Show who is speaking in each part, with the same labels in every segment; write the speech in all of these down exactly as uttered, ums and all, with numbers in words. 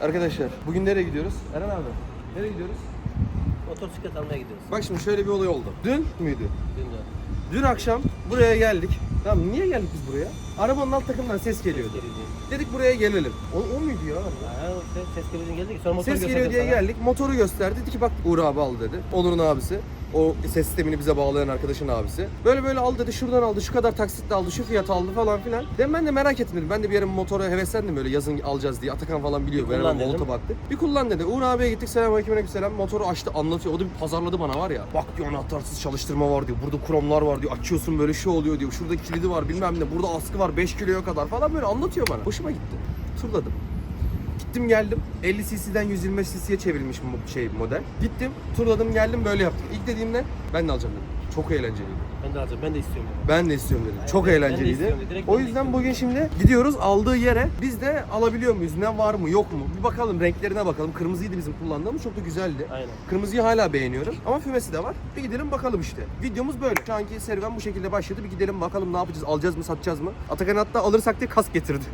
Speaker 1: Arkadaşlar bugün nereye gidiyoruz? Eren abi nereye gidiyoruz?
Speaker 2: Motosiklet almaya gidiyoruz.
Speaker 1: Bak şimdi şöyle bir olay oldu. Dün müydü?
Speaker 2: Dün de.
Speaker 1: Dün akşam buraya geldik. Tamam niye geldik biz buraya? Arabanın alt takımından ses geliyordu. Dedik buraya gelelim. O, o muydu ya?
Speaker 2: Ha, ses, ses geliyor geldik. Sonra motoru
Speaker 1: Ses geliyor diye
Speaker 2: sana.
Speaker 1: geldik. Motoru gösterdi. Dedi ki bak Uğur abi al dedi. Onur'un abisi. O ses sistemini bize bağlayan arkadaşın abisi. Böyle böyle al dedi. Şuradan aldı. Şu kadar taksitle aldı. Şu fiyat aldı falan filan. Dedim ben de merak ettim dedim. Ben de bir yere motora heveslendim böyle yazın alacağız diye. Atakan falan biliyor.
Speaker 2: Bir kullan dedim.
Speaker 1: Volta baktık. Bir kullan dedi. Uğur abiye gittik. Selamünaleyküm aleykümselam. Motoru açtı anlatıyor. O da bir pazarladı bana var ya. Bak diyor anahtarsız çalıştırma var diyor. Burada kromlar var diyor. Açıyorsun böyle şu oluyor diyor. Şurada kilidi var bilmem ne. Burada askı var beş kiloya kadar falan böyle anlatıyor bana. Hoşuma gitti. Turladım. Gittim geldim. elli cc'den yüz yirmi beş cc'ye çevrilmiş şey model. Gittim, turladım geldim böyle yaptım. İlk dediğimde ben de alacağım dedim. Çok eğlenceliydi.
Speaker 2: Ben de alacağım. Ben de istiyorum.
Speaker 1: Ben de istiyorum dedim.
Speaker 2: Yani
Speaker 1: Çok
Speaker 2: ben- ben de
Speaker 1: eğlenceliydi.
Speaker 2: istiyorum. Direkt
Speaker 1: O
Speaker 2: ben de
Speaker 1: yüzden
Speaker 2: istiyorum.
Speaker 1: bugün şimdi gidiyoruz aldığı yere. Biz de alabiliyor muyuz? Ne var mı yok mu? Bir bakalım renklerine bakalım. Kırmızıydı bizim kullandığımız. Çok da güzeldi.
Speaker 2: Aynen.
Speaker 1: Kırmızıyı hala beğeniyorum. Ama fümesi de var. Bir gidelim bakalım işte. Videomuz böyle. Şu anki serüven bu şekilde başladı. Bir gidelim bakalım ne yapacağız? Alacağız mı satacağız mı? Atakan hatta alırsak diye kask getirdi.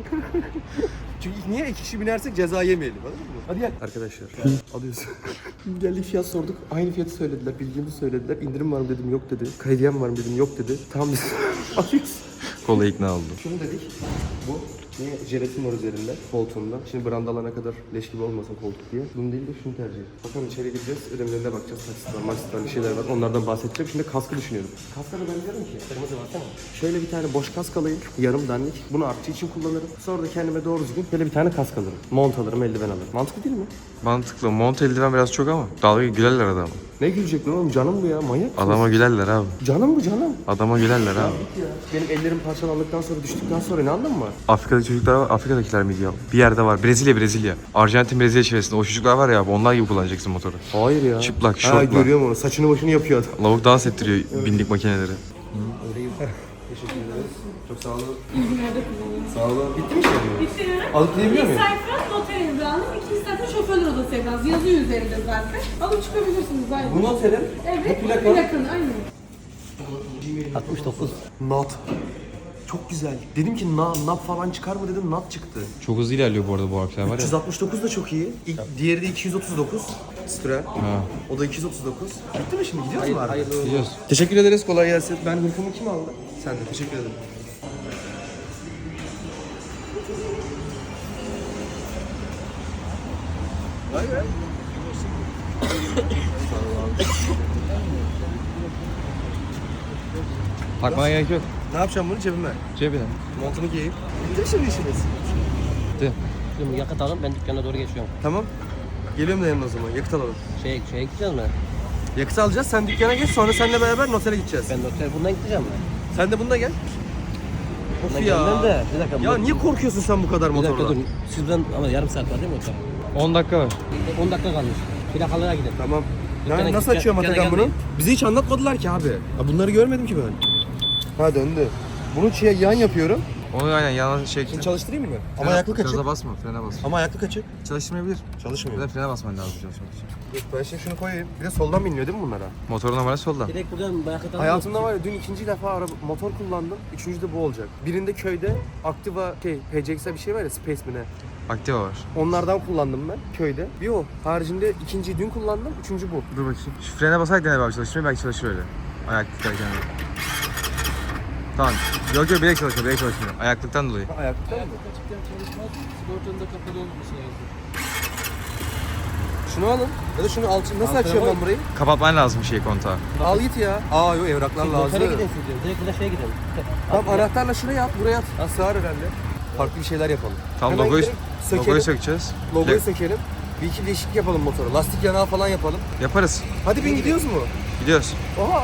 Speaker 1: Çünkü niye iki kişi binersek ceza yemeyelim anladın mı? Hadi gel. Arkadaşlar alıyorsun. Geldik fiyat sorduk. Aynı fiyatı söylediler. Bildiğimi söylediler. İndirim var mı dedim yok dedi. Krediyen var mı dedim yok dedi. Tamam biz alıyoruz.
Speaker 3: Kolay ikna oldu.
Speaker 1: Şunu dedik. Bu niye jelatin var üzerinde koltuğunda. Şimdi brandalarına kadar leş gibi olmasın koltuk diye. Bunu değil de şunu tercih ettim. Bakalım içeri gireceğiz. Ödemelerine bakacağız. Taksit var, maksit var, bir şeyler var. Onlardan bahsedeceğim. Şimdi kaskı düşünüyorum. Kaska da ben diyorum ki.
Speaker 2: Kırmızı baksana.
Speaker 1: Şöyle bir tane boş kask alayım. Yarım dandik. Bunu artçı için kullanırım. Sonra da kendime doğru düzgün böyle bir tane kask alırım. Mont alırım, eldiven alırım. Mantıklı değil mi?
Speaker 3: Mantıklı. Mont eldiven biraz çok ama. Dalga gülerler adama.
Speaker 1: Ne gülecek lan oğlum? Canım bu ya. Manyak mısın?
Speaker 3: Adama gülerler abi.
Speaker 1: Canım bu canım.
Speaker 3: Adama gülerler abi.
Speaker 1: Benim ellerim parçalandıktan sonra düştükten sonra ne anlamı var?
Speaker 3: Afrika'daki çocuklar var. Afrika'dakiler miydi ya? Bir yerde var. Brezilya, Brezilya. Arjantin, Brezilya çevresinde. O çocuklar var ya abi. Onlar gibi kullanacaksın motoru.
Speaker 1: Hayır ya.
Speaker 3: Çıplak,
Speaker 1: Ha
Speaker 3: şortla.
Speaker 1: görüyorum onu. Saçını başını yapıyor adam.
Speaker 3: Lavuk dans ettiriyor bindik makineleri.
Speaker 1: Öyleyim. Teşekkür ederiz. Çok sağ olun.
Speaker 4: İyi günlerde kullanın.
Speaker 1: Sağ olun. Bitti mi şey?
Speaker 4: Bitti.
Speaker 1: Alıp gidebiliyor
Speaker 4: İlk
Speaker 1: muyum?
Speaker 4: sayfa noter imzanız, ikinci sayfa şoförler odası evranız. Yazıyor üzerinde zaten. Alıp çıkabilirsiniz zaten.
Speaker 1: Bu noterim.
Speaker 4: Evet,
Speaker 1: Bu plaka.
Speaker 4: plakın aynen.
Speaker 2: altmış dokuz.
Speaker 1: Nat. Çok güzel. Dedim ki na, nap falan çıkar mı dedim, nat çıktı.
Speaker 3: Çok hızlı ilerliyor bu arada bu harfler var
Speaker 1: üç yüz altmış dokuz da çok iyi. İlk, diğeri de iki yüz otuz dokuz. Stura.
Speaker 3: Ha.
Speaker 1: O da iki yüz otuz dokuz. Bitti mi şimdi? Gidiyoruz mu abi?
Speaker 2: Hayırlı
Speaker 3: Biliyoruz.
Speaker 1: Teşekkür ederiz. Kolay gelsin. Ben hırkamı kim aldı? Sen de. Teşekkür ederim. Vay be.
Speaker 3: Takmana gerek yok.
Speaker 1: Ne yapacağım bunu cebime?
Speaker 3: Cebine.
Speaker 1: Montunu giyeyim. Bitti mi şimdi işiniz?
Speaker 3: Bitti.
Speaker 2: Şimdi yakıt alın ben dükkana doğru geçiyorum.
Speaker 1: Tamam. Geliyorum da yanına o zaman. Yakıt alalım.
Speaker 2: Şeye, şeye gideceğiz mi?
Speaker 1: Yakıt alacağız. Sen dükkana geç. Sonra seninle beraber notere gideceğiz.
Speaker 2: Ben noter bundan gideceğim ben.
Speaker 1: Sen de bunda gel. Of
Speaker 2: Bundan
Speaker 1: ya.
Speaker 2: gelmem de. Bir dakika.
Speaker 1: Ya
Speaker 2: bu-
Speaker 1: niye korkuyorsun sen bu kadar
Speaker 2: Bir dakika
Speaker 1: motorla?
Speaker 2: dur. Sizden ama yarım saat var değil mi otel?
Speaker 3: on dakika var.
Speaker 2: on dakika kalmış. Plakalara gidelim.
Speaker 1: Tamam.
Speaker 2: Dükkana
Speaker 1: Yani
Speaker 2: git,
Speaker 1: nasıl açıyorum
Speaker 2: dükkana
Speaker 1: Atakan bunu?
Speaker 2: gelmeyin.
Speaker 1: Bize hiç anlatmadılar ki abi. Ya bunları görmedim ki ben. Ha döndü. Bunu şey, yan yapıyorum.
Speaker 3: Onu aynen yana şey...
Speaker 1: Şimdi çalıştırayım mı? Ama ayaklık açık.
Speaker 3: Gaza basma, frene bas.
Speaker 1: Ama ayaklık açık.
Speaker 3: Çalışmayabilir.
Speaker 1: Çalışmıyor.
Speaker 3: Bir de frene basman lazım çalışmak için.
Speaker 1: Dur ben şimdi şunu koyayım. Bir de soldan biniliyor değil mi bunlara?
Speaker 3: Motorun numarası solda.
Speaker 2: Direkt buradan yakıt alın.
Speaker 1: Hayatımda var ya dün ikinci defa araba, motor kullandım. Üçüncü de bu olacak. Birinde köyde Activa şey P C X'e bir şey var ya Space mi ne?
Speaker 3: Aktiva var.
Speaker 1: Onlardan kullandım ben köyde. Bir o. Haricinde ikinciyi dün kullandım. Üçüncü bu.
Speaker 3: Dur bakayım. Şu frene basarak dene abi çalışmıyor. Belki çalışır öyle. Ayaklıktayken. Tamam. Yok yok bilek çalışmıyor. Bilek çalışmıyor. Ayaklıktan dolayı.
Speaker 1: Ha, ayaklıkta mı? Şunu alın. Ya da şunu al. Nasıl açıyorum ben burayı?
Speaker 3: Kapatman lazım şey kontağı.
Speaker 1: Al git ya. Aa yok evraklar lazım.
Speaker 2: Notere gidelim siz diyorum. Direkt burada şeye gidelim.
Speaker 1: Tamam anahtarla şuraya at, buraya at. Ha, sığar herhalde. Farklı bir şeyler yapalım.
Speaker 3: Tam
Speaker 1: Hemen
Speaker 3: logoyu,
Speaker 1: gidelim, sökelim.
Speaker 3: logoyu sökeceğiz.
Speaker 1: Logoyu
Speaker 3: Plak-
Speaker 1: sökelim. Bir iki değişiklik yapalım motora. Lastik yanağı falan yapalım.
Speaker 3: Yaparız.
Speaker 1: Hadi bin gidiyoruz mu?
Speaker 3: Gidiyoruz.
Speaker 1: Oha.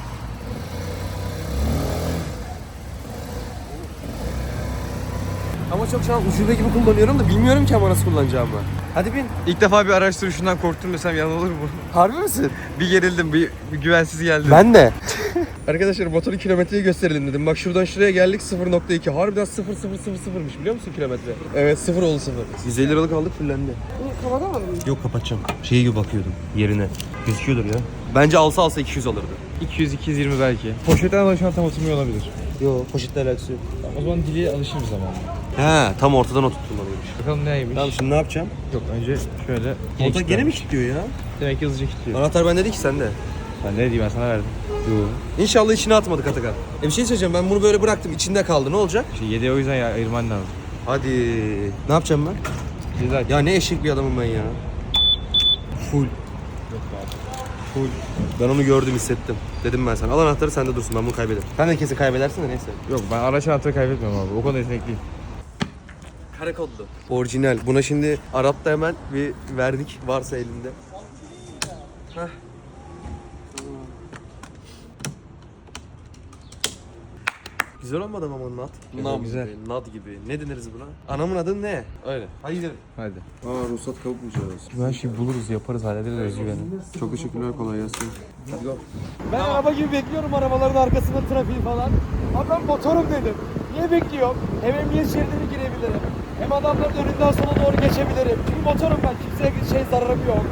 Speaker 1: Ama çok şu an ucube gibi kullanıyorum da bilmiyorum ki ama nasıl kullanacağımı. Hadi bin.
Speaker 3: İlk defa bir araç sürüşünden korktum desem yalan olur mu?
Speaker 1: Harbi misin?
Speaker 3: Bir gerildim, bir, bir güvensiz geldi.
Speaker 1: Ben de. Arkadaşlar motorun kilometreyi gösterelim dedim. Bak şuradan şuraya geldik sıfır nokta iki. Harbiden sıfır sıfır sıfır sıfırmış biliyor musun kilometre? Evet sıfır oldu sıfır. yüz elli liralık aldık fullendi. Bunu kapatamadın mı?
Speaker 5: Yok kapatacağım. Şey gibi bakıyordum yerine. Gözüküyordur ya.
Speaker 1: Bence alsa alsa iki yüz alırdı.
Speaker 3: iki yüz iki yüz yirmi belki. Poşetten dolayı şu an tam oturmuyor olabilir.
Speaker 5: Yok poşetle alakası yok.
Speaker 3: O zaman diliye alışırız ama.
Speaker 1: He, tam ortadan oturtmalıymış.
Speaker 3: Bakalım neymiş.
Speaker 1: Tamam şimdi ne yapacağım?
Speaker 3: Yok önce şöyle.
Speaker 1: Motor gene mi kilitliyor ya?
Speaker 3: Demek ki hızlıca kilitliyor.
Speaker 1: Anahtar bende değil ki sende.
Speaker 3: Ben ne diyeyim ben sana verdim. Yok.
Speaker 1: İnşallah içine atmadık Atakan. E bir şey söyleyeceğim, ben bunu böyle bıraktım, içinde kaldı, ne olacak?
Speaker 3: İşte yediye o yüzden ya, ayırman lazım.
Speaker 1: Hadi. Ne yapacağım ben?
Speaker 3: Ceza.
Speaker 1: Ya ne eşek bir adamım ben ya. Full. Full. Ben onu gördüm, hissettim. Dedim ben sana. Al anahtarı, sende dursun, ben bunu kaybederim. Sen de kesin kaybedersin de neyse.
Speaker 3: Yok ben araç anahtarı kaybetmiyorum abi. O konuda yetenekliyim.
Speaker 1: Kare kodlu. Orijinal. Buna şimdi Arap'ta hemen bir verdik varsa elinde. Heh. Güzel olmadı mı ama nat?
Speaker 3: Güzel,
Speaker 1: Nam
Speaker 3: güzel.
Speaker 1: gibi, nat gibi. Ne deniriz buna? Anamın adı ne?
Speaker 3: Öyle.
Speaker 1: Hadi gidelim.
Speaker 3: Hadi.
Speaker 1: Aa ruhsat kavukmayacağız.
Speaker 3: Her şeyi buluruz, yaparız, hallederiz özgüveni.
Speaker 1: Çok teşekkürler, kolay gelsin. Hadi go.
Speaker 6: Ben araba gibi bekliyorum arabaların arkasında trafiği falan. Abi ben motorum dedim. Niye bekliyorum? Hem emniyet şeridine girebilirim. Hem adamların önünden sola doğru geçebilirim. Çünkü motorum ben. Kimseye şey zararım yok.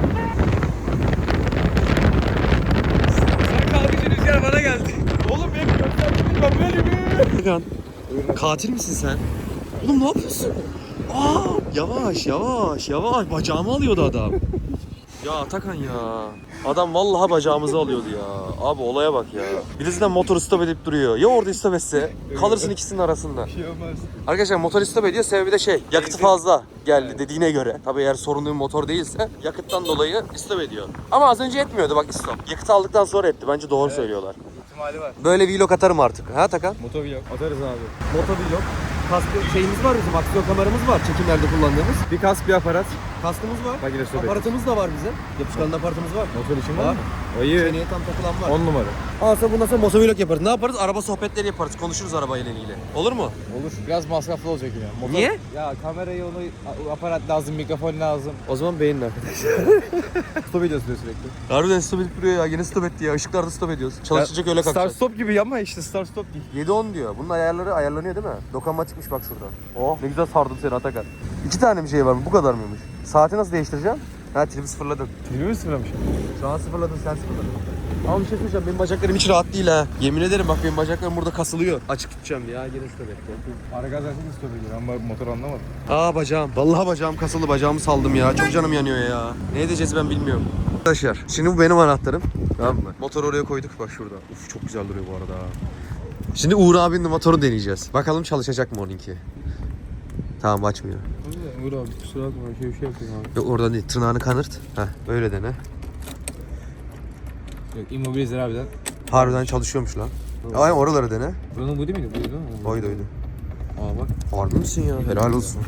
Speaker 6: Sen kalkınca rüzgar bana geldi. Oğlum bekliyorum. Sen bekliyorum. Böyle bir...
Speaker 1: Atakan, katil misin sen? Oğlum ne yapıyorsun? Aa, yavaş yavaş yavaş, bacağımı alıyordu adam. Ya Atakan ya. Adam vallahi bacağımızı alıyordu ya. Abi olaya bak ya. Birisi de motoru stop edip duruyor. Ya orada stop etse kalırsın ikisinin arasında.
Speaker 6: Bir şey olmaz.
Speaker 1: Arkadaşlar motor stop ediyor, sebebi de şey, yakıtı fazla geldi dediğine göre. Tabii eğer sorunlu bir motor değilse yakıttan dolayı stop ediyor. Ama az önce etmiyordu bak stop. Yakıt aldıktan sonra etti, bence doğru söylüyorlar.
Speaker 3: İhtimali var.
Speaker 1: Böyle vlog atarım artık. Ha Atakan?
Speaker 3: Motovlog atarız abi.
Speaker 1: Motovlog. Kaskı şeyimiz var bizim, aksiyon kameramız var çekimlerde kullandığımız.
Speaker 3: Bir kask bir aparat.
Speaker 1: Kaskımız var.
Speaker 3: Bak yine stop etti.
Speaker 1: Aparatımız da var bizim. Yapışkanlı aparatımız var.
Speaker 3: Motor için
Speaker 1: Var.
Speaker 3: var mı? Ayı.
Speaker 1: Seneye tam takılan var.
Speaker 3: on numara.
Speaker 1: Aslında bundan sonra motovlog yaparız. Ne yaparız? Araba sohbetleri yaparız. Konuşuruz arabayla ilgili. Olur mu?
Speaker 3: Olur. Biraz masraflı olacak yine. Motor...
Speaker 1: Niye?
Speaker 3: Ya kamerayı onu aparat lazım, mikrofon lazım.
Speaker 1: O zaman beğenin arkadaşlar.
Speaker 3: Stop ediyorsun diyor sürekli.
Speaker 1: Harbiden stop edip duruyor ya. Yine stop etti ya. Işıklarda stop ediyoruz. Çalışacak öyle
Speaker 3: Start
Speaker 1: kalkacağız.
Speaker 3: stop gibi ama işte start stop değil.
Speaker 1: yedi on diyor. Bunun ayarları ayarlanıyor değil mi? Dokunmatikmiş bak şuradan. Oh ne güzel sardım seni Atakan. İki tane bir şey var mı? Bu kadar mıymış? Saati nasıl değiştireceğim? Ha tribi sıfırladın.
Speaker 3: Tribi mi sıfırlamış?
Speaker 1: Şu an sıfırladın, sen sıfırladın. Ama bir şey söyleyeceğim, benim bacaklarım hiç rahat değil ha. Yemin ederim bak benim bacaklarım burada kasılıyor. Açık tutacağım ya, yine stop etti.
Speaker 3: Ara gaz zaten stop ediyor ama motor anlamadım.
Speaker 1: Aa bacağım. Vallahi bacağım kasıldı, bacağımı saldım ya. Çok canım yanıyor ya. Ne edeceğiz ben bilmiyorum. Arkadaşlar şimdi bu benim anahtarım. Tamam mı? Motoru oraya koyduk bak şurada. Uf çok güzel duruyor bu arada. Şimdi Uğur abinin motoru deneyeceğiz. Bakalım çalışacak mı onunki. Tamam açmıyor.
Speaker 3: Uğur abi kusura bakma şey bir şey yapayım abi.
Speaker 1: Yok oradan değil, tırnağını kanırt. Heh öyle dene.
Speaker 3: Yok immobilizer abiden.
Speaker 1: Harbiden çalışıyormuş lan. Aynen oraları dene.
Speaker 3: Buranın bu değil miydi? Buydu değil mi?
Speaker 1: Oydu oydu.
Speaker 3: Aa bak.
Speaker 1: Harbi misin ya? Helal olsun.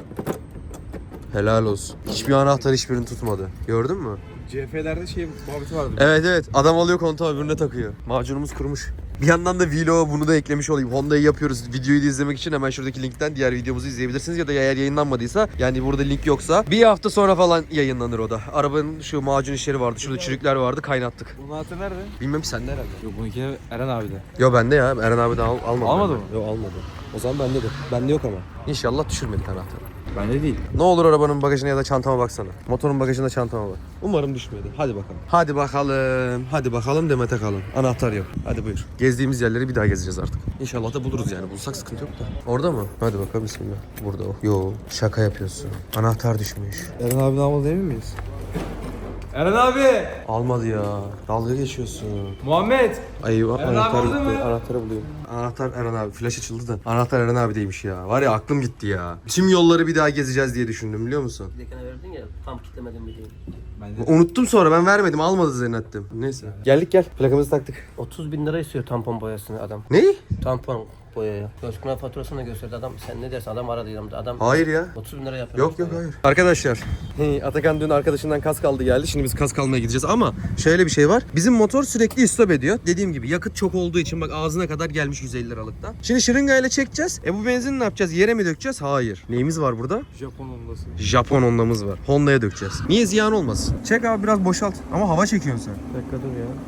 Speaker 1: Helal olsun. Hiçbir anahtar hiçbirini tutmadı. Gördün mü?
Speaker 3: C F'lerde şey muhabbeti vardı.
Speaker 1: Evet evet. Adam alıyor kontağı öbürüne takıyor. Macunumuz kurumuş. Bir yandan da vlog'a bunu da eklemiş olayım. Honda'yı yapıyoruz. Videoyu da izlemek için hemen şuradaki linkten diğer videomuzu izleyebilirsiniz. Ya da eğer yayınlanmadıysa, yani burada link yoksa bir hafta sonra falan yayınlanır o da. Arabanın şu macun işleri vardı. Şurada çürükler vardı. Kaynattık.
Speaker 3: Bunun anahtarı nerede?
Speaker 1: Bilmem ki sende herhalde.
Speaker 3: Yok bununkine Eren abi de.
Speaker 1: Yo bende ya. Eren abi de al, almadı.
Speaker 3: Almadı
Speaker 1: benden.
Speaker 3: mı?
Speaker 1: Yok almadı. O zaman bende de. Bende yok ama. İnşallah düşürmedik anahtarı.
Speaker 3: Bende değil.
Speaker 1: Ne olur arabanın bagajına ya da çantama baksana. Motorun bagajında çantama bak. Umarım düşmedi. Hadi bakalım. Hadi bakalım. Hadi bakalım Demet'e kalın. Anahtar yok. Hadi buyur. Gezdiğimiz yerleri bir daha gezeceğiz artık. İnşallah da buluruz yani. Bulsak sıkıntı yok da. Orada mı? Hadi bakalım bismillah. Burada o. Yo şaka yapıyorsun. Anahtar düşmüş.
Speaker 3: Eren abinin almadı emin miyiz? Eren abi!
Speaker 1: Almadı ya. Dalga geçiyorsun.
Speaker 3: Muhammed!
Speaker 1: Ay bak
Speaker 3: Eren
Speaker 1: anahtar
Speaker 3: abi
Speaker 1: gitti.
Speaker 3: orada mı?
Speaker 1: Anahtarı bulayım. Anahtar Eren abi. Flash açıldı da. Anahtar Eren abideymiş ya. Var ya aklım gitti ya. Tüm yolları bir daha gezeceğiz diye düşündüm biliyor musun?
Speaker 2: Bir dekene verdin ya tam kitlemedim bir
Speaker 3: Bende.
Speaker 1: Unuttum sonra, ben vermedim, almadı zannettim. Neyse. Geldik gel. Plakamızı taktık.
Speaker 2: otuz bin lira istiyor tampon boyasını adam.
Speaker 1: Ne?
Speaker 2: Tampon boyaya. Gözkuna faturasını da gösterdi adam. Sen ne dersin adam aradı yanımda. Adam
Speaker 1: Hayır ya.
Speaker 2: otuz bin lira yapıyor.
Speaker 1: Yok yok hayır. Arkadaşlar Atakan dün arkadaşından kask aldı geldi. Şimdi biz kask almaya gideceğiz ama şöyle bir şey var. Bizim motor sürekli istop ediyor. Dediğim gibi yakıt çok olduğu için bak ağzına kadar gelmiş yüz elli liralıkta. Şimdi şırıngayla çekeceğiz. E bu benzini ne yapacağız? Yere mi dökeceğiz? Hayır. Neyimiz var burada?
Speaker 3: Japon ondası.
Speaker 1: Japon Honda'mız var. Honda'ya dökeceğiz. Niye ziyan olmasın? Çek abi biraz boşalt. Ama hava çekiyorsun sen.
Speaker 3: Bir dakika dur ya.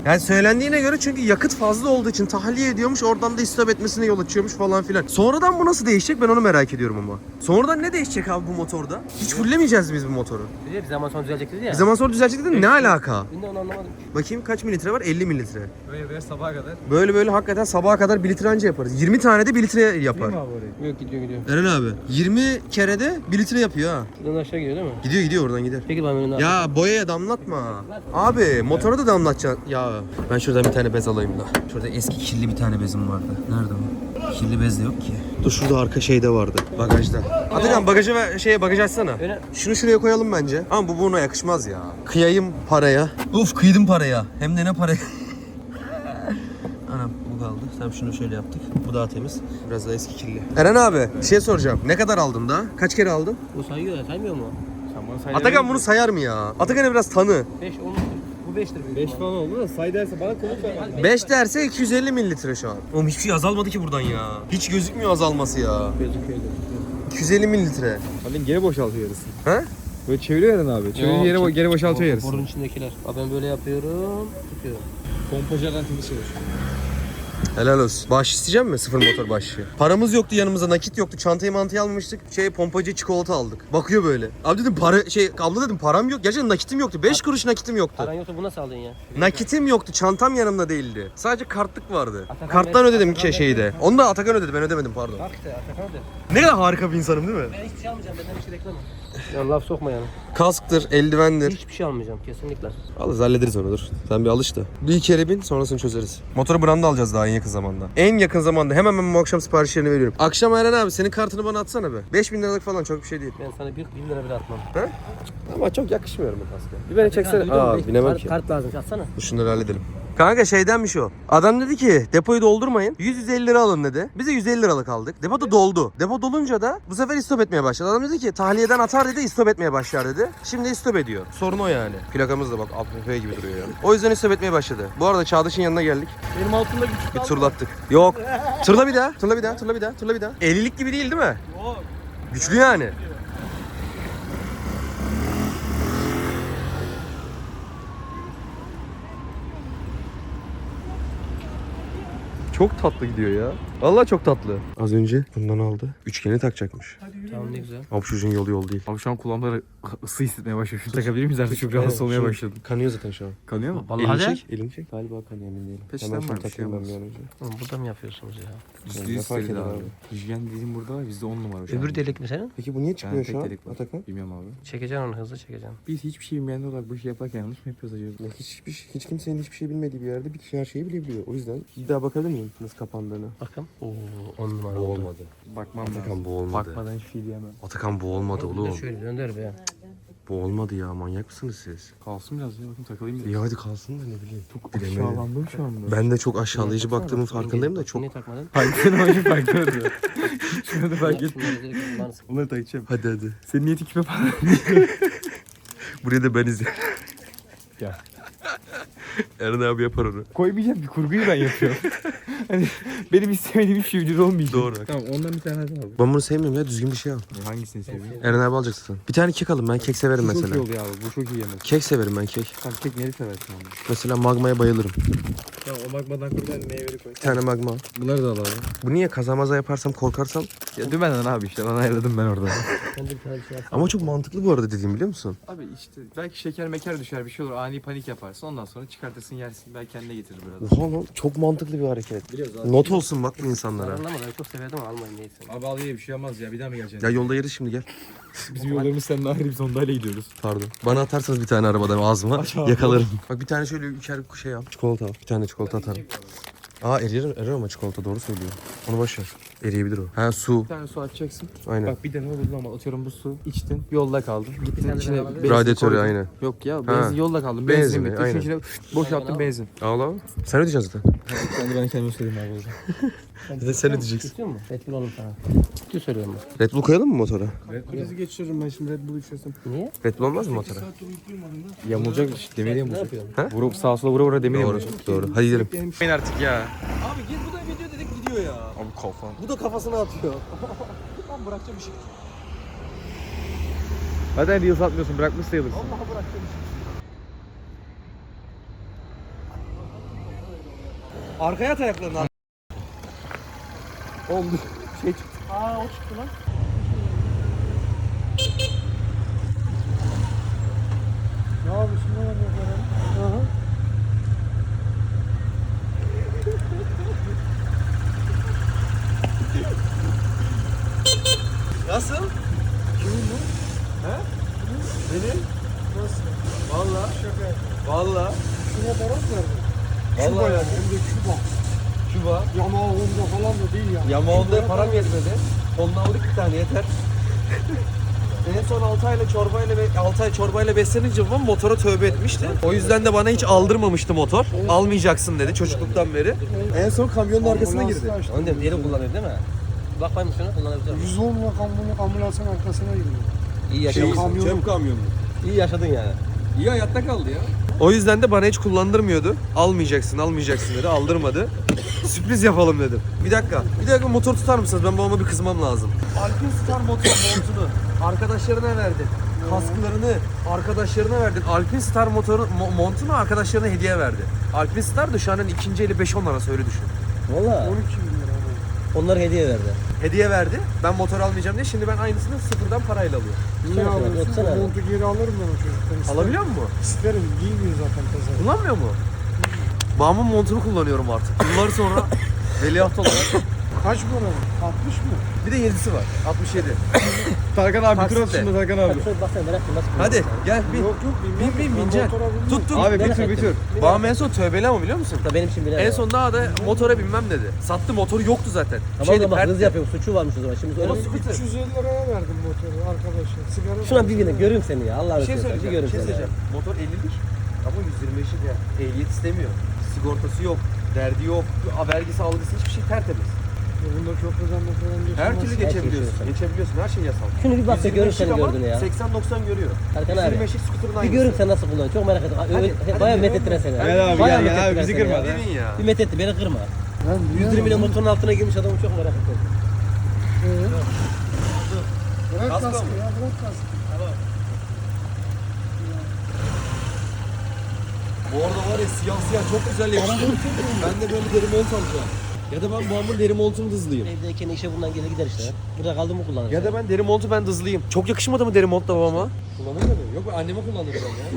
Speaker 1: Yani söylendiğine göre çünkü yakıt fazla olduğu için tahliye ediyormuş. Oradan da istop etmesine yol açıyormuş falan filan. Sonradan bu nasıl değişecek ben onu merak ediyorum ama. Sonradan ne değişecek abi bu motorda? Hiç fullemeyeceğiz biz bu motoru.
Speaker 2: Bir de bir zaman sonra düzelecek dedi ya.
Speaker 1: Bir zaman sonra düzelecek dedin ne alaka?
Speaker 2: Ben de onu anlamadım.
Speaker 1: Bakayım kaç mililitre var? elli mililitre.
Speaker 6: Böyle böyle sabaha kadar.
Speaker 1: Böyle böyle hakikaten sabaha kadar bir litre anca yaparız. yirmi tane de bir litre yapar.
Speaker 6: Abi oraya.
Speaker 2: Yok gidiyor gidiyor.
Speaker 1: Eren abi yirmi kere de bir litre yapıyor ha.
Speaker 2: Şuradan aşağı gidiyor değil mi?
Speaker 1: Gidiyor gidiyor oradan gider.
Speaker 2: Peki ben önüne
Speaker 1: Ya boyaya damlatma. Abi motora da damlatacaksın. Ya ben şuradan bir tane bez alayım da. Şurada eski kirli bir tane bezim vardı. Nerede o? Kirli bez de yok ki. Dur şurada arka şeyde vardı. Bagajda. Atakan bagajı ve şeye bagajı açsana.
Speaker 2: Öyle.
Speaker 1: Şunu şuraya koyalım bence. Ama bu buna yakışmaz ya. Kıyayım paraya. Uf kıydım paraya. Hem de ne paraya. Anam bu kaldı. Tamam şunu şöyle yaptık. Bu daha temiz. Biraz daha eski kirli. Eren abi bir şey soracağım. Ne kadar aldın daha? Kaç kere aldın?
Speaker 2: Bu sayıyor ya saymıyor mu?
Speaker 6: Sen bana say.
Speaker 1: Atakan bunu sayar mı ya? Atakan'ı biraz tanı.
Speaker 2: beş on. Bu beştir büyük.
Speaker 6: beş falan oldu da say derse bana kılıç ver.
Speaker 1: beş derse iki yüz elli mililitre şu an. Oğlum hiçbir şey azalmadı ki buradan ya. Hiç gözükmüyor azalması ya.
Speaker 2: Gözüküyor.
Speaker 1: iki yüz elli mililitre.
Speaker 6: Halin geri boşaltıyor yarısı.
Speaker 1: He?
Speaker 6: Böyle çeviriyor Eren abi. Çeviriyor yere geri boşaltıyor yarısı.
Speaker 2: Borunun içindekiler. Abi ben böyle yapıyorum. Tutuyorum.
Speaker 6: Pompa jarantili çalışıyor.
Speaker 1: Helal olsun. Bağış isteyecek mi? Sıfır motor bağışı. Paramız yoktu yanımızda, nakit yoktu. Çantayı mantayı almamıştık. Şey pompacı çikolata aldık. Bakıyor böyle. Abi dedim para şey abla dedim param yok. Gerçekten nakitim yoktu. beş kuruş nakitim yoktu.
Speaker 2: Paran yoksa bu nasıl aldın ya?
Speaker 1: Nakitim yoktu. Çantam yanımda değildi. Sadece kartlık vardı.
Speaker 2: Atakan
Speaker 1: Karttan
Speaker 2: ver-
Speaker 1: ödedim
Speaker 2: Atakan
Speaker 1: ki şeyde. Onu da Atakan ödedi. Ben ödemedim pardon.
Speaker 2: Bak işte Atakan de.
Speaker 1: Ne kadar harika bir insanım değil mi?
Speaker 2: Ben hiçbir şey almayacağım. Benden bir şey bekleme. Ya laf sokma yani.
Speaker 1: Kasktır, eldivendir.
Speaker 2: Hiçbir şey almayacağım kesinlikle.
Speaker 1: Alırız hallederiz onu dur. Sen bir alış da. Bir kere bin sonrasını çözeriz. Motoru branda alacağız daha en yakın zamanda. En yakın zamanda hemen ben bu akşam siparişlerini veriyorum. Akşam Eren abi senin kartını bana atsana be. beş bin liralık falan çok bir şey değil.
Speaker 2: Ben sana bir bin lira bile atmam.
Speaker 1: He? Ama çok yakışmıyor bu kaska. Bir beni çeksene.
Speaker 2: Duydun mu?
Speaker 1: Aa
Speaker 2: Beş-
Speaker 1: binemem
Speaker 2: kart,
Speaker 1: ki.
Speaker 2: Kart lazım atsana.
Speaker 1: Dur şunları halledelim. Kanka şeydenmiş o. Adam dedi ki depoyu doldurmayın. yüz yüz elli lira alın dedi. Biz de yüz elli liralık aldık. Depo da doldu. Depo dolunca da bu sefer istop etmeye başladı. Adam dedi ki tahliyeden atar dedi istop etmeye başlar dedi. Şimdi istop ediyor. Sorun o yani. Plakamız da bak A P P gibi duruyor yani. O yüzden istop etmeye başladı. Bu arada Çağdaş'ın yanına geldik.
Speaker 6: Benim altımda küçük
Speaker 1: Bir turlattık. Yok. Turla bir daha. Turla bir daha. Turla bir daha. Turla bir daha. ellilik gibi değil değil mi?
Speaker 6: Yok.
Speaker 1: Güçlü yani. Çok tatlı gidiyor ya. Vallahi çok tatlı. Az önce bundan aldı. Üçgeni takacakmış.
Speaker 2: Tamam ne güzel.
Speaker 1: Abi çocuğun yolu yol değil.
Speaker 5: Abi şu an kulağımda ısı hissetmeye başladı. Şunu takabilir miyiz artık? Çok rahatsız olmaya
Speaker 1: Şu-
Speaker 5: başladım.
Speaker 1: Kanıyor zaten şu an.
Speaker 5: Kanıyor mu?
Speaker 1: Elini
Speaker 2: Vallahi de.
Speaker 1: çek. Elini çek. Galiba kanıyor emin değilim.
Speaker 5: Peşten
Speaker 1: Hemen şunu
Speaker 5: var, bir şey
Speaker 1: takayım ben
Speaker 5: olmaz.
Speaker 1: bir an önce.
Speaker 2: Oğlum burada mı yapıyorsunuz ya?
Speaker 5: Yüzde
Speaker 1: Ne
Speaker 5: yüz
Speaker 1: fark
Speaker 5: söyledi
Speaker 1: eder
Speaker 5: abi.
Speaker 1: abi?
Speaker 5: Hijyen dediğim burada var. Bizde on numara şu an.
Speaker 2: Öbür delik mi senin?
Speaker 1: Peki bu niye çıkmıyor
Speaker 5: tek
Speaker 1: şu an
Speaker 5: delik var.
Speaker 1: Atakan?
Speaker 5: Bilmiyorum abi.
Speaker 2: Çekeceksin onu hızlı çekeceksin.
Speaker 5: Biz hiçbir şey bilmeyen olarak bu işi yaparken yanlış mı yapıyoruz acaba?
Speaker 1: Ya hiçbir şey- hiç kimsenin hiçbir şey bilmediği bir yerde bir kişi her şeyi bilebiliyor. O yüzden bir daha bakabilir miyim nasıl kapandığını?
Speaker 2: Bakın. Oo on numara
Speaker 1: Bu
Speaker 2: oldu.
Speaker 1: olmadı.
Speaker 5: Bakmam
Speaker 1: Atakan
Speaker 5: lazım.
Speaker 1: bu olmadı.
Speaker 5: Bakmadan hiçbir şey diyemem.
Speaker 1: Atakan bu olmadı
Speaker 2: Bir de
Speaker 1: oğlum.
Speaker 2: şöyle döndür be.
Speaker 1: Bu olmadı ya manyak mısınız siz?
Speaker 5: Kalsın biraz ya. Bakın takılayım biraz.
Speaker 1: İyi hadi kalsın da ne bileyim. Çok
Speaker 5: Aşağılandım şu anda.
Speaker 1: Ben de çok aşağılayıcı baktığımın farkındayım da çok.
Speaker 2: Niye takmadın?
Speaker 5: Farklı ama farklı oluyor. Şunu da fark et.
Speaker 2: Şunları direkt kullanırsın.
Speaker 5: Bunları takacağım.
Speaker 1: Hadi hadi.
Speaker 5: Senin niyeti kime falan.
Speaker 1: Buraya da ben izleyeyim.
Speaker 5: Ya.
Speaker 1: Eren abi yapar onu.
Speaker 5: Koymayacağım bir kurguyu ben yapıyorum. Hani benim istemediğim hiçbir şey vücut olmayacak.
Speaker 1: Doğru.
Speaker 5: Tamam ondan bir tane daha al.
Speaker 1: Ben bunu sevmiyorum ya düzgün bir şey al.
Speaker 5: Hangisini seviyorsun?
Speaker 1: Eren abi alacaksın. Bir tane kek alın ben kek severim
Speaker 5: Bu çok iyi
Speaker 1: mesela.
Speaker 5: oluyor abi. Bu çok iyi yemek.
Speaker 1: Kek severim ben kek.
Speaker 5: Tamam kek neri seversin abi?
Speaker 1: Mesela magmaya bayılırım.
Speaker 5: Tamam o bakmadan koy ben meyveli koy.
Speaker 1: Bir tane magma al.
Speaker 5: Bunları da alalım.
Speaker 1: Bu niye kazamaza yaparsam korkarsam?
Speaker 5: Ya dümenden abi işte lan ayırdım ben orada.
Speaker 2: Ben de bir tane bir şey yapsam.
Speaker 1: Ama çok mantıklı bu arada dediğim biliyor musun?
Speaker 5: Abi işte belki şeker meker düşer bir şey olur ani panik yaparsın ondan sonra çıkartırsın yersin belki kendine getirir biraz.
Speaker 1: Oha lan çok mantıklı bir hareket.
Speaker 5: Biliyoruz abi.
Speaker 1: Not olsun bak bu insanlara.
Speaker 2: Anlamadım ben çok severdim ama almayın neyse.
Speaker 5: Abi al ye bir şey olmaz ya bir daha mı geleceksin?
Speaker 1: Ya yolda yeriz şimdi gel.
Speaker 5: Bizim yollarımız seninle ayrı biz Honda'yla gidiyoruz.
Speaker 1: Pardon. Bana atarsanız bir tane arabadan ağzıma yakalarım. Bak bir tane şöyle üçer şey al. Çikolata al. Bir tane çikolata atarım. Aa erir, erir ama çikolata doğru söylüyor. Onu boş ver. Eriyebilir o. Ha su.
Speaker 5: Bir tane su açacaksın.
Speaker 1: Aynen.
Speaker 5: Bak bir de ne olur ama atıyorum bu su içtin yolda kaldın. Gittin
Speaker 2: tane
Speaker 5: içine
Speaker 2: daha alabilir
Speaker 5: benzin
Speaker 1: Radyatörü
Speaker 5: koydun.
Speaker 1: aynen.
Speaker 5: Yok ya benzin yolda kaldın. Benzin
Speaker 1: Benzini,
Speaker 5: bitti.
Speaker 1: aynen.
Speaker 5: Aynen. içine boşalttın benzin.
Speaker 1: Al al. Sen ödeyeceksin zaten.
Speaker 5: Ben de ben kendime söyleyeyim abi o zaman.
Speaker 1: Zaten sen ödeyeceksin.
Speaker 2: İstiyor musun? Red Bull oğlum sana. Ciddi söylüyorum ben.
Speaker 1: Red Bull koyalım mı motora?
Speaker 6: Red Bull'u geçiyorum ben şimdi Red Bull içiyorsam.
Speaker 2: Niye?
Speaker 1: Red Bull olmaz mı motora?
Speaker 5: Yamulacak demiri
Speaker 2: Ne
Speaker 5: yamulacak.
Speaker 2: yapıyorsun?
Speaker 5: Vurup sağa sola vura vura demir
Speaker 1: Doğru.
Speaker 5: yamulacak.
Speaker 1: Doğru. Hadi gidelim.
Speaker 5: Ben artık ya.
Speaker 6: Abi git bu da video dedik gidiyor ya.
Speaker 5: Abi kafam.
Speaker 6: Bu da kafasına atıyor. Ben bırakacağım işi.
Speaker 5: Zaten reels atmıyorsun bırakmış sayılırsın.
Speaker 6: Vallahi bırakacağım işi.
Speaker 1: Arkaya at ayaklarını. Ar- Oldu. Şey çıktı.
Speaker 6: Aa o çıktı lan. Ne yapıyorsun lan yapıyorum? Aha.
Speaker 1: Nasıl?
Speaker 6: Kimin bu?
Speaker 1: He? Benim.
Speaker 6: Nasıl?
Speaker 1: Valla.
Speaker 6: Şaka.
Speaker 1: Valla.
Speaker 6: Şuna para mı verdin?
Speaker 1: Vallahi
Speaker 6: Küba yani.
Speaker 1: verdim.
Speaker 6: Hem de Küba.
Speaker 1: Küba.
Speaker 6: Yamaha Honda falan da değil yani.
Speaker 1: Yamaonda'ya
Speaker 6: Küba'ya
Speaker 1: param
Speaker 6: para
Speaker 1: yetmedi. Ondan aldık bir tane yeter. En son altı ayla çorbayla ve altı ay çorbayla beslenince babam motora tövbe etmişti. O yüzden de bana hiç aldırmamıştı motor. Almayacaksın dedi çocukluktan beri. En son kamyonun arkasına girdi.
Speaker 6: Ambulansla açtım.
Speaker 2: Onu diyorum deri kullanıyor değil mi? Bak bakayım şuna kullanabilir miyim?
Speaker 6: yüz on rakamlı ambulansın arkasına giriyor.
Speaker 2: İyi
Speaker 1: Şey,
Speaker 2: yaşadın.
Speaker 6: kamyonu.
Speaker 1: çöp kamyonu.
Speaker 2: İyi yaşadın yani.
Speaker 1: İyi hayatta kaldı ya. O yüzden de bana hiç kullandırmıyordu. Almayacaksın, almayacaksın dedi. Aldırmadı. Sürpriz yapalım dedim. Bir dakika. Bir dakika motor tutar mısınız? Ben babama bir kızmam lazım. Alpin Star motor montunu arkadaşlarına verdin. Kasklarını arkadaşlarına verdin. Alpin Star motoru mo- montunu arkadaşlarına hediye verdi. Alpin Star da şu an ikinci eli beş on arası öyle düşün.
Speaker 2: Valla.
Speaker 6: on iki bin lira.
Speaker 2: Onlar hediye verdi.
Speaker 1: Hediye verdi. Ben motor almayacağım diye şimdi ben aynısını sıfırdan parayla alıyorum.
Speaker 6: Niye
Speaker 2: Sen
Speaker 6: alıyorsun?
Speaker 2: otursana abi.
Speaker 6: Montu geri alırım ben o çocuktan. İsterim.
Speaker 1: Alabiliyor musun?
Speaker 6: İsterim. Giymiyor zaten pazar.
Speaker 1: Kullanmıyor mu? Babamın montunu kullanıyorum artık. Yıllar sonra veliaht olarak.
Speaker 6: Kaç para? altmış mı?
Speaker 1: Bir de yedisi var. altmış yedi.
Speaker 6: Tarkan abi
Speaker 1: Taksitle.
Speaker 6: mikro şimdi Tarkan
Speaker 2: Bak şöyle baksana merak ettim nasıl
Speaker 1: Hadi
Speaker 2: kullanıyorsun?
Speaker 1: gel bin.
Speaker 6: Yok yok
Speaker 1: Bin
Speaker 6: bilmiyorum.
Speaker 1: bin
Speaker 6: Ben
Speaker 1: bineceksin.
Speaker 6: motora binmem.
Speaker 1: Tuttum.
Speaker 2: Abi bir tür bir tür.
Speaker 1: Babam en son tövbeli ama biliyor musun?
Speaker 2: Da benim için bilemem.
Speaker 1: En son daha da motora binmem dedi. Sattı, motoru yoktu zaten.
Speaker 2: Tamam
Speaker 1: Şeydi,
Speaker 2: da bak
Speaker 1: pert-
Speaker 2: hız yapıyorum. Suçu varmış o zaman. Şimdi öyle
Speaker 1: Ama
Speaker 2: bir...
Speaker 1: scooter.
Speaker 6: üç yüz elli liraya verdim motoru arkadaşlar. Sigara
Speaker 2: Şuna bir
Speaker 6: parası
Speaker 2: bine
Speaker 6: verdim.
Speaker 2: göreyim seni ya. Allah'ını
Speaker 1: Bir şey
Speaker 2: seversen bir
Speaker 1: söyleyeceğim.
Speaker 2: göreyim
Speaker 1: Bir şey
Speaker 2: seni. ya.
Speaker 1: söyleyeceğim. Motor ellilik ama yüz yirmi beşlik ya. Ehliyet istemiyor. Sigortası yok. Derdi yok. Vergisi algısı hiçbir şey tertemiz.
Speaker 6: Ya Bunda köprüden motordan geçemez.
Speaker 1: Her türlü
Speaker 2: Her şey
Speaker 1: geçebiliyorsun.
Speaker 2: geçiyorsun.
Speaker 1: Geçebiliyorsun. Her şey yasal.
Speaker 2: Şunu bir bak da
Speaker 1: yüz yirmi
Speaker 2: görün
Speaker 1: beşlik
Speaker 2: seni
Speaker 1: ama
Speaker 2: gördüğünü ya.
Speaker 1: seksen doksan görüyor.
Speaker 2: Erkan
Speaker 1: yüz
Speaker 2: abi.
Speaker 1: yirmi beşlik scooter'ın
Speaker 2: Bir
Speaker 1: aynısı.
Speaker 2: görün sen nasıl kullanıyorsun. Çok merak ettim.
Speaker 1: Hadi,
Speaker 2: Öyle,
Speaker 1: hadi
Speaker 2: bayağı
Speaker 1: bir
Speaker 2: methettiren
Speaker 1: görün.
Speaker 2: seni.
Speaker 1: Gel abi,
Speaker 2: Bayağı
Speaker 6: gel, gel abi,
Speaker 2: methettiren
Speaker 6: bizi
Speaker 2: seni
Speaker 6: kırma
Speaker 2: ya.
Speaker 6: lan.
Speaker 1: Dedin ya.
Speaker 2: Bir methetti beni kırma.
Speaker 6: Ben
Speaker 2: yüz yirmi ile motorun altına girmiş adamı çok merak ettim.
Speaker 6: Ee? Bırak
Speaker 1: Kasko
Speaker 6: kaskı
Speaker 1: mu?
Speaker 6: ya bırak kaskı.
Speaker 1: Bu arada var ya siyah siyah çok güzel yakıştı. Ben de böyle deri mont alacağım. Ya da ben babamın deri montunu dızlayayım.
Speaker 2: Evdeyken işe bundan gelir gider işte. Burada kaldı mı kullanır.
Speaker 1: Ya da ben deri montu ben dızlayayım. Çok yakışmadı mı deri mont da babama? Kullanır mı? Yok ben anneme kullandıracağım ya.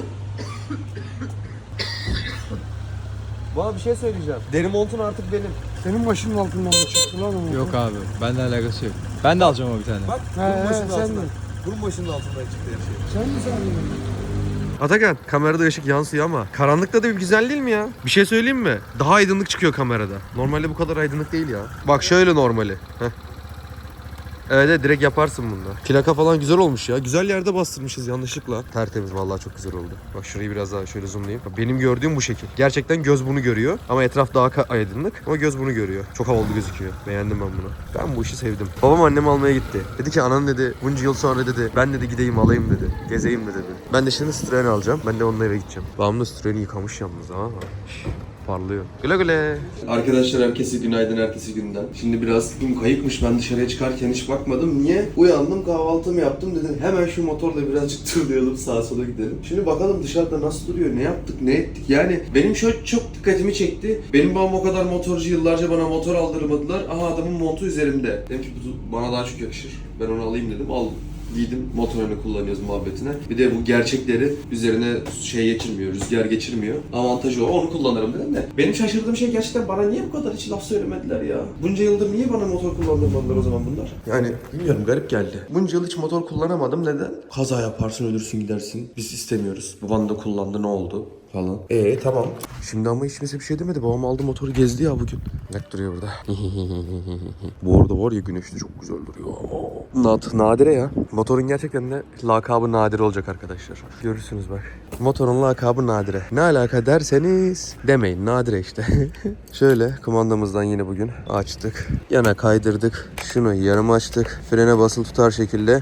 Speaker 1: Bana bir şey söyleyeceğim. Deri montun artık benim.
Speaker 6: Senin başının altından mı çıktı lan o motor?
Speaker 5: Yok abi. Bende alakası yok. Ben de alacağım o bir tane.
Speaker 1: Bak
Speaker 6: He,
Speaker 1: bunun
Speaker 6: he,
Speaker 1: başının
Speaker 6: sen
Speaker 1: altından.
Speaker 6: de.
Speaker 1: Bunun başının altından çıktı her şey.
Speaker 6: Sen mi sandın?
Speaker 1: Atakan kamerada ışık yansıyor ama karanlıkta da bir güzel değil mi ya? Bir şey söyleyeyim mi? Daha aydınlık çıkıyor kamerada. Normalde bu kadar aydınlık değil ya. Bak şöyle normali. Heh. Evet, evet direkt yaparsın bunda. Plaka falan güzel olmuş ya. Güzel yerde bastırmışız yanlışlıkla. Tertemiz vallahi çok güzel oldu. Bak şurayı biraz daha şöyle zoomlayayım. Bak, benim gördüğüm bu şekil. Gerçekten göz bunu görüyor. Ama etraf daha ka- aydınlık. Ama göz bunu görüyor. Çok havalı gözüküyor. Beğendim ben bunu. Ben bu işi sevdim. Babam annemi almaya gitti. Dedi ki anan dedi bunca yıl sonra dedi ben dedi gideyim alayım dedi. Gezeyim de dedi. Ben de şimdi Citroen alacağım. Ben de onunla eve gideceğim. Babam da Citroen'i yıkamış yalnız ha. Parlıyor. Güle güle. Arkadaşlar herkese günaydın herkese günden. Şimdi biraz dün kayıkmış, ben dışarıya çıkarken hiç bakmadım. Niye? Uyandım, kahvaltımı yaptım, dedim hemen şu motorla birazcık turlayalım, sağa sola gidelim. Şimdi bakalım dışarıda nasıl duruyor, ne yaptık, ne ettik. Yani benim şöyle çok dikkatimi çekti. Benim babam o kadar motorcu, yıllarca bana motor aldırmadılar. Aha adamın montu üzerimde. Dedim ki bu bana daha çok yakışır. Ben onu alayım dedim, aldım. Giydim, motorunu kullanıyoruz muhabbetine. Bir de bu gerçekleri üzerine şey geçirmiyor, rüzgar geçirmiyor. Avantajı o, onu kullanırım dedim de. Benim şaşırdığım şey gerçekten bana niye bu kadar hiç laf söylemediler ya? Bunca yıldır niye bana motor kullandırmadılar o zaman bunlar? Yani bilmiyorum, garip geldi. Bunca yıl hiç motor kullanamadım, neden? Kaza yaparsın, ölürsün, gidersin. Biz istemiyoruz. Baban da kullandı, ne oldu? Falan. Ee tamam. Şimdi ama hiç kimse bir şey demedi. Babam aldı motoru gezdi ya bugün. Net duruyor burada. Bu arada var ya güneşte çok güzel duruyor. Nat, nadire ya. Motorun gerçekten de lakabı Nadire olacak arkadaşlar. Görürsünüz bak. Motorun lakabı Nadire. Ne alaka derseniz demeyin. Nadire işte. Şöyle kumandamızdan yine bugün açtık. Yana kaydırdık. Şunu yarım açtık. Frene basılı tutar şekilde.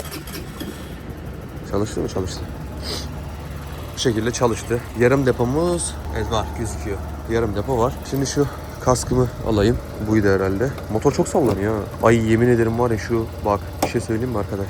Speaker 1: Çalıştı mı? Çalıştı. Bu şekilde çalıştı. Yarım depomuz evet var, gözüküyor. Yarım depo var. Şimdi şu kaskımı alayım. Buydu herhalde. Motor çok sallanıyor ha. Ay yemin ederim var ya şu bak bir şey söyleyeyim mi arkadaşlar?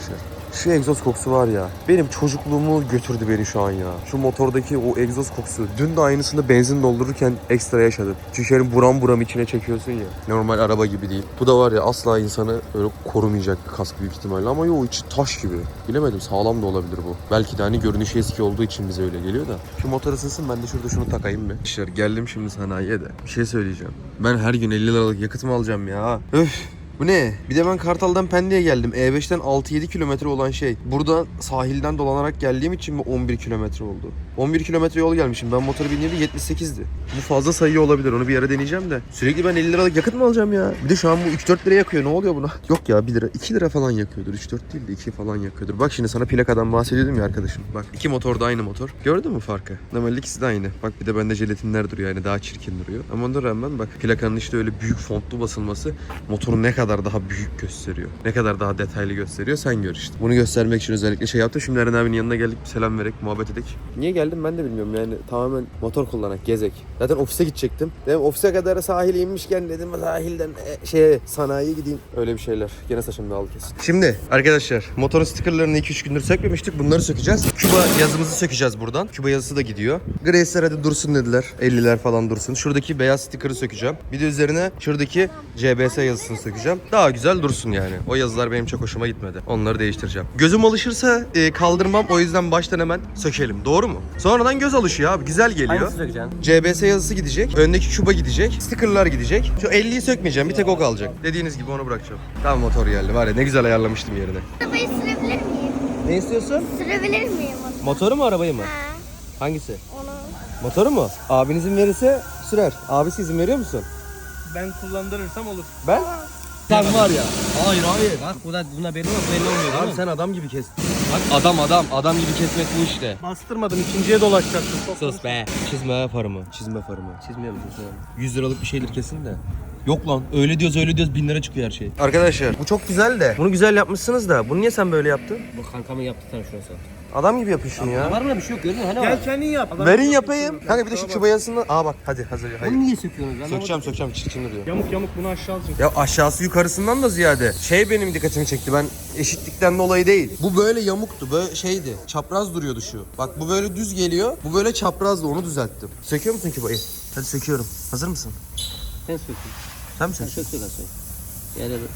Speaker 1: Şu egzoz kokusu var ya. Benim çocukluğumu götürdü beni şu an ya. Şu motordaki o egzoz kokusu. Dün de aynısını benzin doldururken ekstra yaşadım. Çünkü şöyle buram buram içine çekiyorsun ya. Normal araba gibi değil. Bu da var ya asla insanı öyle korumayacak bir kask büyük ihtimalle. Ama yo içi taş gibi. Bilemedim, sağlam da olabilir bu. Belki de hani görünüşü eski olduğu için bize öyle geliyor da. Şu motor ısınsın, ben de şurada şunu takayım mı? İşte geldim şimdi sanayiye de. Bir şey söyleyeceğim. Ben her gün elli liralık yakıt mı alacağım ya? Öf. Bu ne? Bir de ben Kartal'dan Pendik'e geldim. E beşten altı yedi kilometre olan şey. Burada sahilden dolanarak geldiğim için mi on bir kilometre oldu? on bir kilometre yol gelmişim. Ben motoru bindiğimde yetmiş sekizdi. Bu fazla sayı olabilir. Onu bir yere deneyeceğim de. Sürekli ben elli liralık yakıt mı alacağım ya? Bir de şu an bu üç dört lira yakıyor. Ne oluyor buna? Yok ya bir lira. iki lira falan yakıyordur. üç dört değil de iki falan yakıyordur. Bak şimdi sana plakadan bahsediyordum ya arkadaşım. Bak iki motor da aynı motor. Gördün mü farkı? Normalde ikisi de aynı. Bak bir de bende jelatinler duruyor. Yani daha çirkin duruyor. Ama ona rağmen bak plakanın işte öyle büyük fontlu basılması motoru ne kadar daha büyük gösteriyor. Ne kadar daha detaylı gösteriyor sen gör işte. Bunu göstermek için özellikle şey yaptım. Şimdi Eren abinin yanına geldik, bir selam vererek, muhabbet edek. Niye geldim ben de bilmiyorum yani, tamamen motor kullanak, gezek. Zaten ofise gidecektim. Dedim ofise kadar sahile inmişken dedim sahilden e, şeye sanayiye gideyim. Öyle bir şeyler. Gene saçım dağıldı kesin. Şimdi arkadaşlar motorun stikerlerini iki üç gündür sökmemiştik. Bunları sökeceğiz. Küba yazımızı sökeceğiz buradan. Küba yazısı da gidiyor. Grace'ler hadi dursun dediler. elliler falan dursun. Şuradaki beyaz stikeri sökeceğim. Bir de üzerine şuradaki C B S yazısını sökeceğim. Daha güzel dursun yani. O yazılar benim çok hoşuma gitmedi. Onları değiştireceğim. Gözüm alışırsa e, kaldırmam. O yüzden baştan hemen sökelim. Doğru mu? Sonradan göz alışıyor abi. Güzel geliyor.
Speaker 2: Hangisini sökeceksin?
Speaker 1: C B S yazısı gidecek. Öndeki Küba gidecek. Stickerlar gidecek. Şu elliyi sökmeyeceğim. Bir tek o kalacak. Dediğiniz gibi onu bırakacağım. Tamam motor geldi. Var ya ne güzel ayarlamıştım yerine.
Speaker 7: Arabayı sürebilir miyim?
Speaker 1: Ne istiyorsun?
Speaker 7: Sürebilir miyim onu?
Speaker 1: Motoru mu arabayı mı?
Speaker 7: Ha,
Speaker 1: Hangisi?
Speaker 7: onu.
Speaker 1: Motoru mu? Abin izin verirse sürer. Abisi izin veriyor musun?
Speaker 6: Ben kullandırırsam olur.
Speaker 1: Ben? Sen var ya. Hayır hayır.
Speaker 2: Bak buna, buna belli olmaz, belli olmuyor değil
Speaker 1: Abi
Speaker 2: mi?
Speaker 1: sen adam gibi kes. Bak adam adam. Adam gibi kesmek bu işte.
Speaker 6: Bastırmadım, ikinciye dolaşacaktım.
Speaker 2: Sus be.
Speaker 1: Çizme farımı. Çizme farımı.
Speaker 2: Çizmiyor musun sen?
Speaker 1: yüz liralık bir şeydir kesin de. Yok lan öyle diyoruz öyle diyoruz bin lira çıkıyor her şey. Arkadaşlar bu çok güzel de. Bunu güzel yapmışsınız da. Bunu niye sen böyle yaptın?
Speaker 2: Bu kankamın yaptı sana şurası.
Speaker 1: Adam gibi yapın şunu
Speaker 2: Ya.
Speaker 1: ya.
Speaker 2: Var mı bir şey yok görüyor musun? Hani
Speaker 6: Gel
Speaker 2: var.
Speaker 6: kendin yap.
Speaker 1: Verin yapayım. Kanka bir de şu Küba yazısını. Aa bak hadi hazır. Hayır.
Speaker 2: Bunu niye söküyorsunuz? Anlamadım.
Speaker 1: Sökeceğim sökeceğim çirkin duruyor.
Speaker 6: Yamuk yamuk bunu aşağı alacaksın.
Speaker 1: Ya aşağısı yukarısından da ziyade şey benim dikkatimi çekti. Ben eşitlikten dolayı değil. Bu böyle yamuktu. Böyle şeydi. Çapraz duruyordu şu. Bak bu böyle düz geliyor. Bu böyle çaprazdı. Onu düzelttim. Söküyor musun Küba'yı? Hadi söküyorum. Hazır mısın?
Speaker 2: Sen sökün.
Speaker 1: Sen mi
Speaker 2: Sen
Speaker 1: söküyorsun?
Speaker 2: sök sök sök. Yani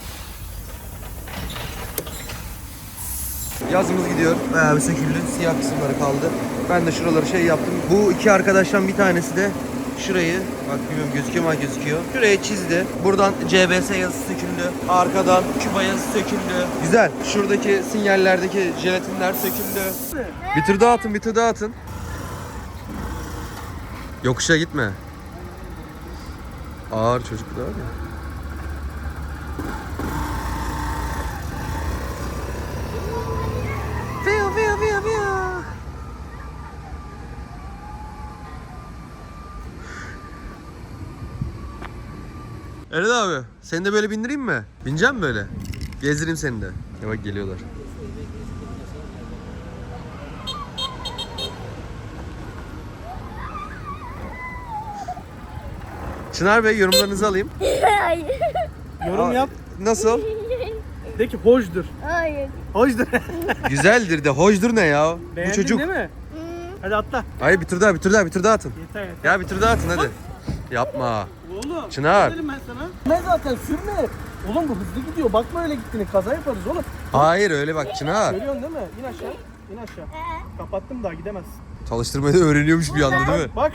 Speaker 1: Yazımız gidiyor. Bayağı bir söküldü. Siyah kısımları kaldı. Ben de şuraları şey yaptım. Bu iki arkadaştan bir tanesi de şurayı, bak bilmiyorum gözüküyor mu, gözüküyor. Şuraya çizdi. Buradan C B S yazısı söküldü. Arkadan Küba yazısı söküldü. Güzel. Şuradaki sinyallerdeki jelatinler söküldü. Bir tur daha atın, bir tur daha atın. Yokuşa gitme. Ağır çocuk da var ya. Eren abi, seni de böyle bindireyim mi? Bineceğim mi böyle? Gezdireyim seni de. Ya bak geliyorlar. Çınar Bey yorumlarınızı alayım.
Speaker 7: Hayır.
Speaker 6: Yorum
Speaker 1: Aa,
Speaker 6: yap.
Speaker 1: Nasıl?
Speaker 6: De ki hoşdur.
Speaker 7: Hayır.
Speaker 6: Hoşdur.
Speaker 1: Güzeldir de hoşdur ne ya?
Speaker 6: Beğendin
Speaker 1: Bu çocuk.
Speaker 6: değil mi? Hadi atla.
Speaker 1: Hayır bir tur daha, bir tur daha, bir tur daha atın.
Speaker 6: Yeter yeter.
Speaker 1: Ya bir tur daha atın hadi. Yapma.
Speaker 6: Oğlum.
Speaker 1: Çınar.
Speaker 6: ne dedim ben sana? Ne zaten sürme. Oğlum bu hızlı gidiyor. Bakma öyle gittiğini. Kaza yaparız oğlum.
Speaker 1: Hayır öyle bak Çınar.
Speaker 6: Görüyorsun değil mi? İn aşağı. İn aşağı. Kapattım daha gidemezsin.
Speaker 1: Çalıştırmayı da öğreniyormuş bir anda değil mi?
Speaker 6: Bak.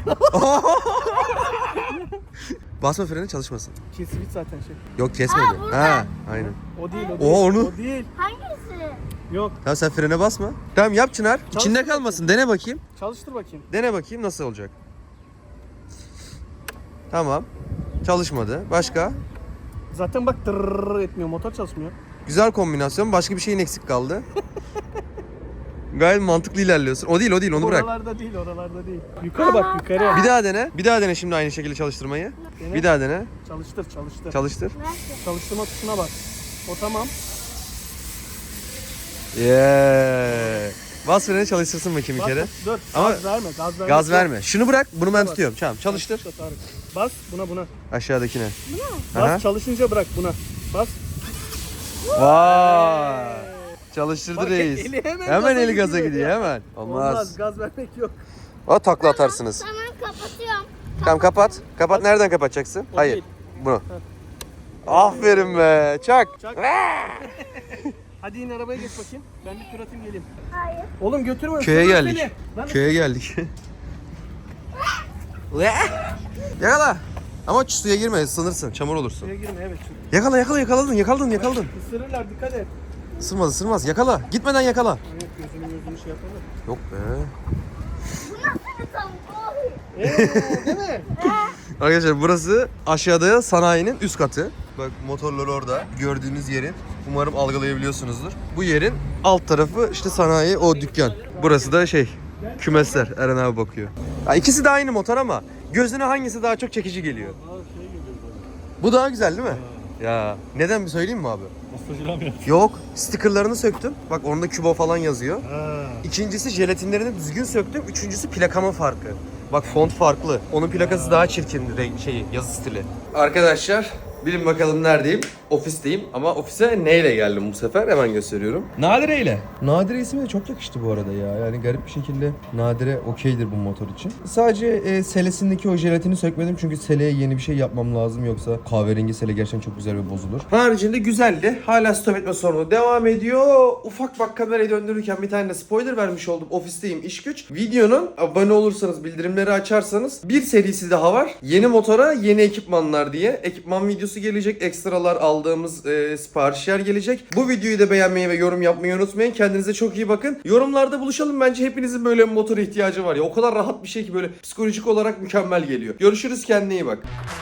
Speaker 1: Basma freni çalışmasın.
Speaker 6: Kesibit zaten şey.
Speaker 1: Yok kesmedi.
Speaker 7: Aa, burada.
Speaker 1: Ha, aynen.
Speaker 6: O değil o
Speaker 1: Oo,
Speaker 6: değil.
Speaker 1: onu-
Speaker 6: O değil.
Speaker 7: Hangisi?
Speaker 6: Yok.
Speaker 1: Tamam sen frene basma. Tamam yap Çınar. İçinde
Speaker 6: bakayım.
Speaker 1: kalmasın. Dene bakayım.
Speaker 6: Çalıştır bakayım.
Speaker 1: Dene bakayım nasıl olacak. Tamam. Çalışmadı. Başka?
Speaker 6: Zaten bak tırrrr etmiyor. Motor çalışmıyor.
Speaker 1: Güzel kombinasyon. Başka bir şeyin eksik kaldı. Gayet mantıklı ilerliyorsun. O değil o değil onu bırak.
Speaker 6: Oralarda değil oralarda değil. Yukarı bak yukarı.
Speaker 1: Bir daha dene. Bir daha dene şimdi aynı şekilde çalıştırmayı.
Speaker 6: Dene.
Speaker 1: Bir daha dene.
Speaker 6: Çalıştır çalıştır.
Speaker 1: Çalıştır.
Speaker 6: Çalıştırma tuşuna bak. O tamam.
Speaker 1: Yeah. Bas freni çalıştırsın bakayım bir
Speaker 6: Bas,
Speaker 1: kere.
Speaker 6: dur.
Speaker 1: Ama
Speaker 6: gaz verme. Gaz verme.
Speaker 1: Gaz verme. Şunu bırak. Bunu ben
Speaker 6: Bas.
Speaker 1: tutuyorum. Tamam çalıştır.
Speaker 6: Çalıştır, Tarık. Bas buna buna.
Speaker 1: Aşağıdakine.
Speaker 6: Bas
Speaker 1: Aha.
Speaker 6: çalışınca bırak buna. Bas.
Speaker 1: Vay. Çalıştırdı
Speaker 2: Bak,
Speaker 1: reis.
Speaker 2: eli hemen
Speaker 1: hemen
Speaker 2: gaza
Speaker 1: eli gaza
Speaker 2: gidiyor
Speaker 1: gidiyor
Speaker 2: ya.
Speaker 1: hemen. Olmaz.
Speaker 2: Olmaz. Gaz vermek yok.
Speaker 1: O takla atarsınız.
Speaker 7: Tamam kapatıyorum.
Speaker 1: Tamam kapat. Kapat. Nereden kapatacaksın?
Speaker 2: O
Speaker 1: Hayır.
Speaker 2: değil.
Speaker 1: Bunu. Aferin be. Çak.
Speaker 2: Çak. Hadi in arabaya geç bakayım. Ben bir tur atayım geleyim.
Speaker 7: Hayır.
Speaker 2: Oğlum götürme.
Speaker 1: Köye
Speaker 2: ısırırım
Speaker 1: geldik.
Speaker 2: seni. Lan
Speaker 1: Köye geldik. Yakala. Ama suya girme, ısınırsın, çamur olursun.
Speaker 2: Suya girme evet.
Speaker 1: Yakala, yakala, yakaladın, yakaladın, yakaladın.
Speaker 2: Isırırlar dikkat et.
Speaker 1: Isırmaz, ısırmaz. Yakala. Gitmeden yakala.
Speaker 2: Evet gözünü gözünü şey yapalım.
Speaker 1: Yok be.
Speaker 7: Bir tavuk. Oy.
Speaker 2: Eee değil mi?
Speaker 1: Arkadaşlar burası aşağıda sanayinin üst katı. Bak motorlar orada. Gördüğünüz yerin. Umarım algılayabiliyorsunuzdur. Bu yerin alt tarafı işte sanayi, o dükkan. Burası da şey, kümesler. Eren abi bakıyor. Ya ikisi de aynı motor ama gözüne hangisi daha çok çekici geliyor? Bu daha güzel değil mi? Ya neden bir söyleyeyim mi abi? Yok, stickerlarını söktüm. Bak orada Kübo falan yazıyor. İkincisi jelatinlerini düzgün söktüm. Üçüncüsü plakamın farkı. Bak font farklı. Onun plakası daha çirkin renk şeyi, yazı stili. Arkadaşlar bilin bakalım neredeyim? Ofisteyim ama ofise neyle geldim bu sefer? Hemen gösteriyorum. Nadire ile. Nadire ismi de çok yakıştı bu arada ya. Yani garip bir şekilde Nadire okeydir bu motor için. Sadece e, selesindeki o jelatini sökmedim çünkü seleye yeni bir şey yapmam lazım yoksa kahverengi sele gerçekten çok güzel ve bozulur. Haricinde güzeldi. Hala stop etme sorunu devam ediyor. Ufak bak kamerayı döndürürken bir tane de spoiler vermiş oldum. Ofisteyim iş güç. Videonun abone olursanız bildirimleri açarsanız bir serisi daha var. Yeni motora yeni ekipmanlar diye. Ekipman videosu gelecek. Ekstralar aldığımız e, siparişler gelecek. Bu videoyu da beğenmeyi ve yorum yapmayı unutmayın. Kendinize çok iyi bakın. Yorumlarda buluşalım. Bence hepinizin böyle bir motora ihtiyacı var ya. O kadar rahat bir şey ki böyle psikolojik olarak mükemmel geliyor. Görüşürüz. Kendine iyi bak.